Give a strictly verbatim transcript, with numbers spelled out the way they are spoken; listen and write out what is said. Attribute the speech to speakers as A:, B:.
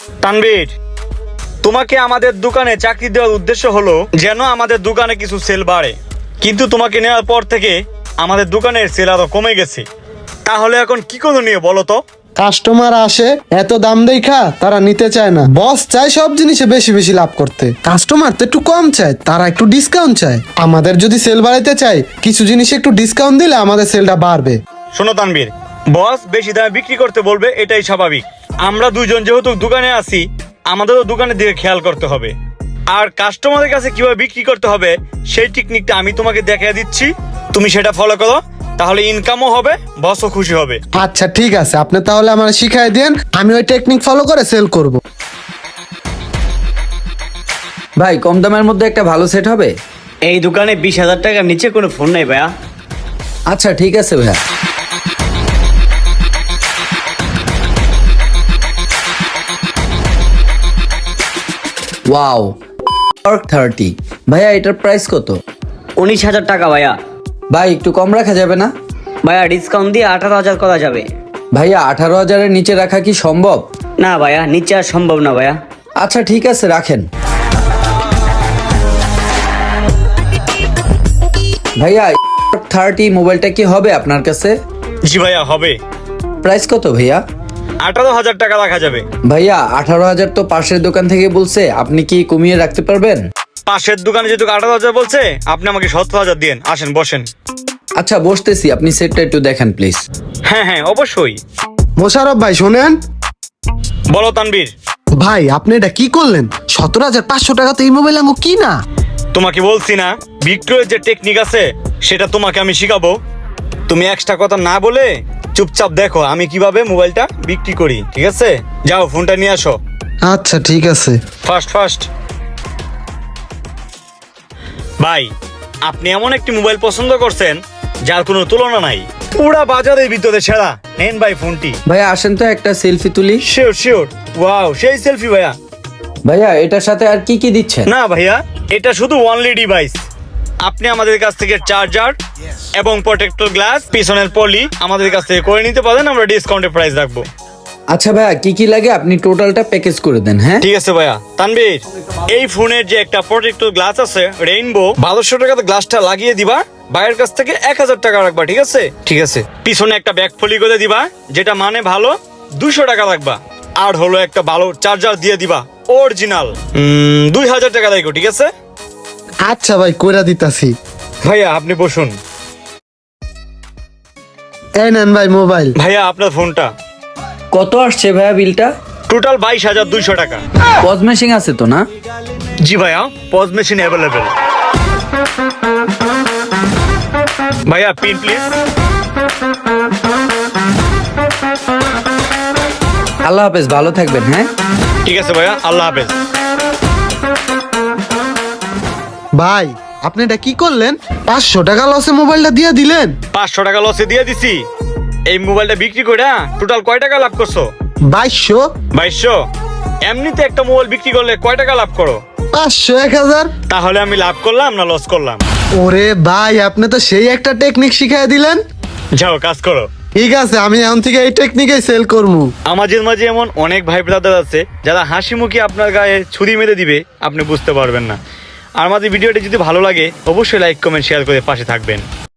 A: তানভীর, তোমাকে আমাদের দোকানে চাকরি দেওয়ার উদ্দেশ্য হলো যেন আমাদের দোকানে কিছু সেল বাড়ে, কিন্তু তোমাকে নেওয়ার পর থেকে আমাদের দোকানের সেল আরো কমে গেছে। তাহলে এখন কি করণীয় বলো তো?
B: কাস্টমার আসে এত দাম দেখা তারা নিতে চায় না, বস চায় সব জিনিসে বেশি বেশি লাভ করতে, কাস্টমার তো একটু কম চায়, তারা একটু ডিসকাউন্ট চায়। আমাদের যদি সেল বাড়াইতে চাই কিছু জিনিসে একটু ডিসকাউন্ট দিলে আমাদের সেলটা বাড়বে।
A: শোনো তানভীর, বস বেশি দামে বিক্রি করতে বলবে, এটাই স্বাভাবিক। আমরা দুইজন যেহেতু দোকানে আছি, আমাদেরও দোকানের দিকে খেয়াল করতে হবে। আর কাস্টমারের কাছে কিভাবে বিক্রি করতে হবে সেই টেকনিকটা আমি তোমাকে দেখিয়ে দিচ্ছি, তুমি সেটা ফলো করো, তাহলে ইনকামও হবে, বসও খুশি হবে।
B: আচ্ছা ঠিক আছে, আপনি তাহলে আমার শিখাই দেন, আমি ওই টেকনিক ফলো করে সেল করব।
C: ভাই কম দামের মধ্যে একটা ভালো সেট হবে?
D: এই দোকানে বিশ হাজার টাকার নিচে কোনো ফোন নাই ভাইয়া।
C: আচ্ছা ঠিক আছে ভাইয়া। Wow, thirty. ভাইয়া এটার প্রাইস কত?
D: উনিশ হাজার টাকা ভাইয়া।
C: ভাই একটু কম রাখা যাবে না?
D: ভাইয়া ডিসকাউন্ট দিয়ে আঠারো হাজার করা যাবে।
C: ভাইয়া আঠারো হাজারের নিচে রাখা কি সম্ভব?
D: না ভাইয়া, নিচে আর সম্ভব না ভাইয়া।
C: আচ্ছা ঠিক আছে, রাখেন। ভাইয়া থার্টি মোবাইলটা কি হবে আপনার কাছে?
A: জি ভাইয়া হবে।
C: প্রাইস কত ভাইয়া?
A: আঠারো হাজার টাকা রাখা যাবে।
C: ভাইয়া আঠারো হাজার তো পাশের দোকান থেকে বলছে, আপনি কি কমিয়ে রাখতে পারবেন?
A: পাশের দোকানে যেহেতু আঠারো হাজার বলছে, আপনি আমাকে সতেরো হাজার দিন। আসেন বসেন।
C: আচ্ছা বসতেছি, আপনি সেটটা একটু দেখেন প্লিজ।
A: হ্যাঁ হ্যাঁ অবশ্যই।
B: মোশারফ ভাই শোনেন।
A: বলো তানভীর।
B: ভাই আপনি এটা কি করলেন? সতেরো হাজার পাঁচশো টাকা তো এই মোবাইল আঙ্গো কি না।
A: তোমাকে বলছি না, বিক্রয়ের যে টেকনিক আছে সেটা তোমাকে আমি শিখাবো। তুমি এক্সট্রা কথা না বলে চুপচাপ দেখো আমি কিভাবে মোবাইলটা বিক্রি করি, ঠিক আছে? যাও ফোনটা নিয়ে আসো।
B: আচ্ছা ঠিক আছে।
A: ফার্স্ট ফার্স্ট ভাই, আপনি এমন একটি মোবাইল পছন্দ করছেন যার কোনো তুলনা নাই, পুরা বাজারের ভিতরে সেরা। নেন ভাই ফোনটি।
C: ভাইয়া আসেন তো একটা সেলফি তুলি।
A: Sure sure. ওয়াও, সেই সেলফি ভাইয়া।
C: ভাইয়া এটার সাথে আর কি কি দিচ্ছেন?
A: না ভাইয়া, এটা শুধু ওয়ানলি ডিভাইস। আপনি আমাদের কাছ থেকে চার্জার এবং প্রোটেক্টর গ্লাস, পিছনের পলি আমাদের কাছ থেকে করে নিতে পারেন, আমরা ডিসকাউন্টে প্রাইস রাখবো।
C: আচ্ছা ভাইয়া কি কি লাগে আপনি টোটালটা প্যাকেজ করে দেন। হ্যাঁ
A: ঠিক আছে ভাইয়া। তানভীর, এই ফোনের যে একটা প্রোটেক্টর গ্লাস আছে রেইনবো, বারোশো টাকাতে গ্লাসটা লাগিয়ে দিবা, বাইরের কাছ থেকে এক হাজার টাকা রাখবা, ঠিক আছে? ঠিক আছে। পিছনে একটা ব্যাক ফলি করে দিবা, যেটা মানে ভালো, দুশো টাকা রাখবা। আর হলো একটা ভালো চার্জার দিয়ে দিবা, অরিজিনাল, দুই হাজার টাকা রাখো, ঠিক আছে?
B: আচ্ছা ভাই কইরা দিতাছি।
A: ভাইয়া আপনি বসুন।
B: এই নেন ভাই মোবাইল।
A: ভাইয়া আপনার ফোনটা।
C: কত আসছে ভাইয়া বিলটা?
A: টোটাল বাইশ হাজার দুইশো টাকা।
C: পজ মেশিং আছে তো না?
A: জি ভাইয়া, পজ মেশিন অ্যাভেলেবেল। ভাইয়া পিন প্লিজ।
C: আল্লাহ হাফেজ, ভালো থাকবেন। হ্যাঁ
A: ঠিক আছে ভাইয়া, আল্লাহ হাফেজ।
B: ভাই আপনি এটা কি করলেন? পাঁচশো টাকা লসে মোবাইলটা দিয়ে দিলেন।
A: পাঁচশো টাকা লসে দিয়ে দিছি। এই মোবাইলটা বিক্রি করে টোটাল কয় টাকা লাভ করছো?
B: বাইশশো।
A: বাইশশো? এমনিতে একটা মোবাইল বিক্রি করলে কয় টাকা লাভ করো?
B: পাঁচশো এক হাজার।
A: তাহলে আমি লাভ করলাম না লস করলাম?
B: ওরে ভাই আপনি তো সেই একটা টেকনিক শিখাই দিলেন।
A: যাও কাজ করো।
B: ঠিক আছে, আমি এখন থেকে এই টেকনিকে সেল করবো।
A: আমাদের মাঝে এমন অনেক ভাই ব্রাদার আছে যারা হাসি মুখে আপনার গায়ে ছুরি মেরে দিবে, আপনি বুঝতে পারবেন না। আর আমাদের ভিডিওটি যদি ভালো লাগে অবশ্যই লাইক কমেন্ট শেয়ার করে পাশে থাকবেন।